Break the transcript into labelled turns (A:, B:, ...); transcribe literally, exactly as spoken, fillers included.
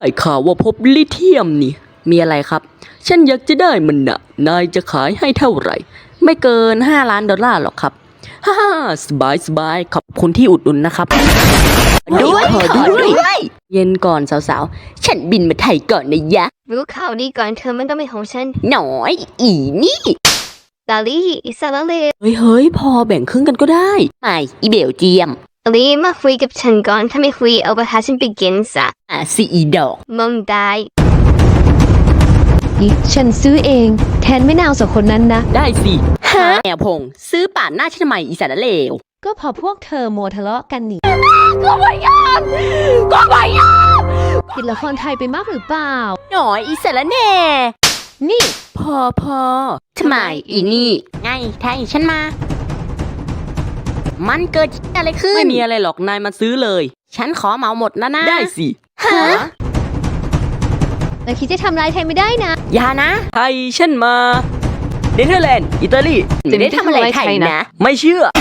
A: ไอ้ข่าวว่าพบลิเธียมนี่มีอะไรครับฉันอยากจะได้มันนะนายจะขายให้เท่าไหร่ไม่เกินห้าล้านดอลลาร์หรอกครับฮ่าฮ่าสบายสบายขอบคุณที่อุดหนุนนะครับด้วยขอด้วยเย็นก่อนสาวๆฉันบินมาไทยก่อนนะยะ
B: รู้ข่าวดีก่อนเธอมันต้องเป็นของฉัน
A: หน่อยอีนี่
B: ดาลี่อิสระเลว
A: เฮ้ยเฮ้ยพอแบ่งครึ่งกันก็ได้ไม่อีเบลเจียม
B: ดาลี่มาคุยกับฉันก่อนถ้าไม่คุยเอาไปหาฉันไปกินซะ
A: อ่ะสิอีดอก
B: มึงได้
C: นี่ฉันซื้อเองแทนไม่นาวสองคนนั้นนะ
A: ได้สิฮะแมวพงซื้อป่านหน้าฉันทำไมอีสารเลว
C: ก็พอพวกเธอโมทะเลาะกันนี่
A: ก็ไม่ยอมก็ไม่ยอม
C: ติดละครไทยไปมากหรือเปล่า
A: หน่อยอีสารแน่
C: นี่
A: พอพอทำไมอีนี่ไงไทยฉันมามันเกิดอะไรขึ้นไม่มีอะไรหรอกนายมาซื้อเลยฉันขอเหมาหมดนะนะได้สิฮะ
C: แล้วคิดจะทำร้ายไทยไม่ได้นะ
A: อย่านะไทยฉันมาเนเธอร์แลนด์อิตาลีจะได้ทำอะไรไทยนะไม่เชื่อ